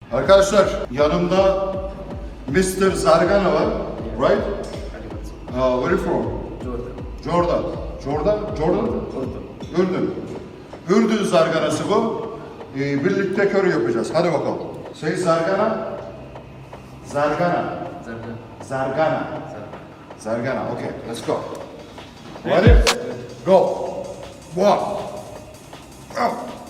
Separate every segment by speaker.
Speaker 1: Arkadaşlar yanımda Mr. Zargana var, right? Where you from? Jordan. Jordan? Ürdün. Ürdün zarganası bu. Birlikte kör yapacağız. Hadi bakalım. Say Zargana. Zargana. Okay, let's go. Ready? Go. One. Go.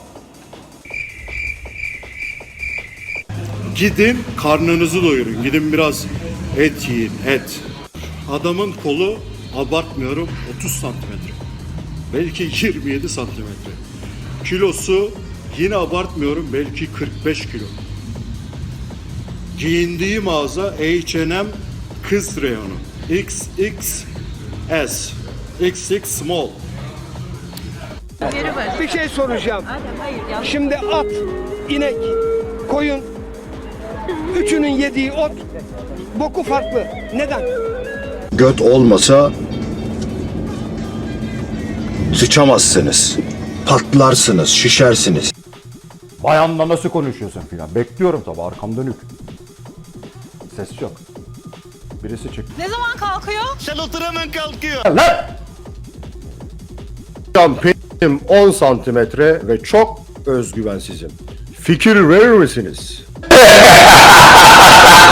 Speaker 1: Gidin karnınızı doyurun. Gidin biraz et yiyin, et. Adamın kolu abartmıyorum 30 santimetre. Belki 27 santimetre. Kilosu yine abartmıyorum belki 45 kilo. Giyindiği mağaza H&M kız reyonu. XXS. XX small.
Speaker 2: Bir şey soracağım.
Speaker 3: Hayır, yanlış.
Speaker 2: Şimdi at, inek, koyun, üçünün yediği ot, boku farklı. Neden?
Speaker 1: Göt olmasa sıçamazsınız. Patlarsınız, şişersiniz.
Speaker 4: Bayanla nasıl konuşuyorsun filan. Bekliyorum tabii, arkam dönük. Ses yok. Birisi çıktı.
Speaker 3: Ne zaman kalkıyor?
Speaker 4: Benim 10 santimetre ve çok özgüvensizim. Fikir verir misiniz?